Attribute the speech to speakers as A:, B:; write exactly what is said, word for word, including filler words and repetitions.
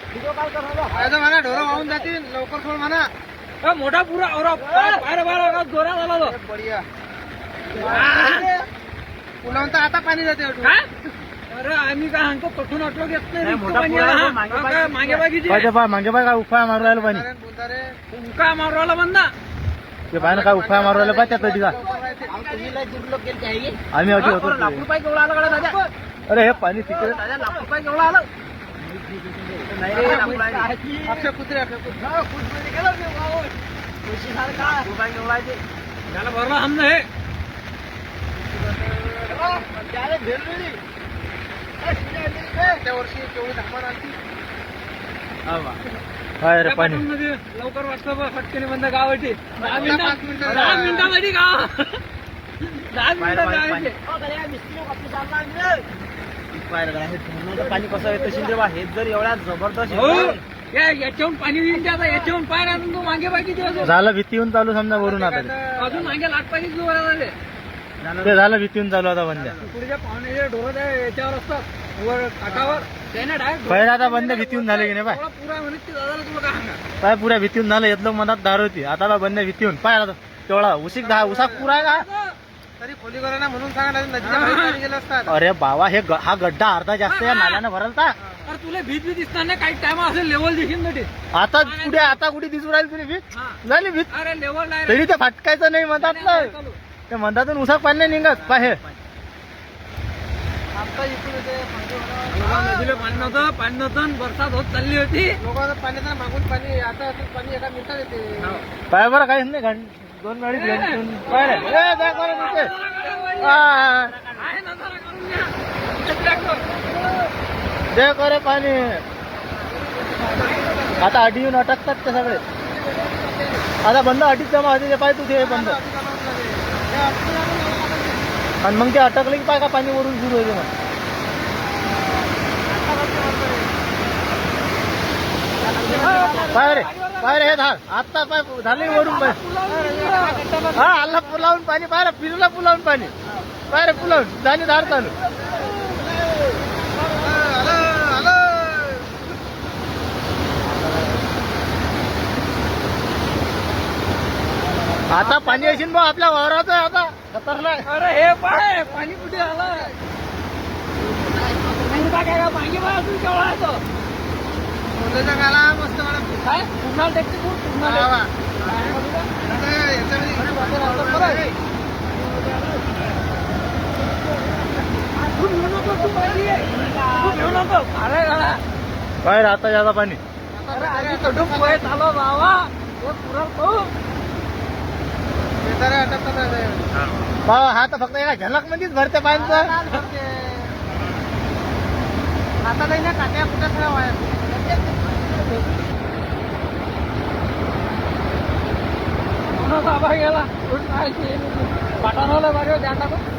A: म्हणा ढोरं वाहून जातील लवकर सोड म्हणा.
B: मोठा पुरा बाहेर बाहेर जोरा झाला तो.
A: बढिया पुलावून तर आता पाणी जाते.
B: काय अरे आम्ही काय सांगतो कठून अटलो घेत नाही मागे बागीची
C: मागे बाय काय उफाय मारू राहिलं पाणी.
B: उका मारू राहिला बंदा
C: ते पाहिजे काय उफाय मारू राहिलं पाहिजे त्या तिघा आम्ही अटी होतो.
B: लाख रुपये केवढा आला कडे दादा.
C: अरे हे पाणी तिकडे
B: दादा लाख रुपये केवढा आलं.
A: अक्षय कुत्रे अक्षय
B: त्याला भरला हमने हे
A: त्या वर्षी केवढी धामान आणती.
C: काय रे पाणी
B: लवकर वाटतं बघ फटकेने बंद गावाची. दहा
A: पाच
B: मिनिटं
A: मिनिटं
B: दहा मिनिटामध्ये गाव दहा मिनिटं गावाची.
C: पाणी कसं येतं शिंदे हे जर एवढ्या जबरदस्त
B: याच्याहून पाणी येईल आता याच्याहून पाय आणून तू मागे बाकी दिवस
C: झालं भीतीहून चालू समजा वरून आता
B: अजून मागे लाट पाणी सुरू झाले.
C: ते झालं भीतीहून चालू आता बंद्या
B: पुढच्या पाहुण्याचे ढोरं याच्यावर असतात वर काठावर त्याने डायरेक्ट
C: पहिला आता बंद भीतीहून झाले की नाही पाय
B: पुरा म्हणत ते दादाला तुला काय सांगा.
C: पाय पुऱ्या भीतीहून झालं येतलं मनात दार होती आता बंद भीतीहून पाय आता तेवढा उशीक दहा उसाक पुरा आहे का.
A: तरी खोली करा ना म्हणून सांगा नदीच्या बाहेर पाणी गेलं असतात.
C: अरे बाबा हे ग- हा गड्डा अर्धा जास्त या नाल्यानं भरलता.
B: अरे तुला भीत भीत दिसणार नाही काही टाइम असेल लेवल दिसेल ना ते.
C: आता कुठे आता कुठे दिसू राहील तुला भीत
B: हा.
C: झाली भीत
B: अरे लेवल नाही
C: तरी ते फटकायचं नाही म्हणतात ना ते म्हणतातून उसाक पाणी नाही निघत पाहे.
A: आता इकडून येते
B: नदीला पाणी नव्हतं पाणी नव्हतं बरसात होत चालली होती.
A: लोकांना पाणी तर मागून पाणी आता असं पाणी एका मिनिटात येते.
C: पाय बरं काहीच नाही घंट दोन गाडी पाय रे. ए, जा करा तिथे. आ,
B: आहे ना जरा करून घ्या.
C: दे करे पाणी आता अडी येऊन अटकतात ते सगळे आता बंद अडीच जमा होते ते पाय तू ते बंद आणि मग ते अटकले की पाय का पाणी वरून सुरू होते मग पाय रे पाय रे हे धार आता पाय झाले वरून पाय हा आला पुलावून पाणी पाय रे फिरला पुलावून पाणी पाय रे पुलावून जाणी धार चालू आता पाणी असेल बा आपल्या वावराचं आता खतरनाक.
B: अरे हे पाय पाणी कुठे आलं काय का मागे बा अजून केवढा येतो
A: मोठ्याच्या गाला मस्त मला
B: काय पुन्हा टेक्सी पुन्हा
A: वा, वा. आता याच्यामध्ये
C: बाहेर आता जाता पाणी
B: चालू बाबा पुरा
C: बाबा हा तर फक्त एका झलक मध्येच भरते पाण्याचं.
A: आता नाही ना काट्या कुठे सगळ्या वाया
B: बाबा गेला पाठावलं बरं ध्यान टाकून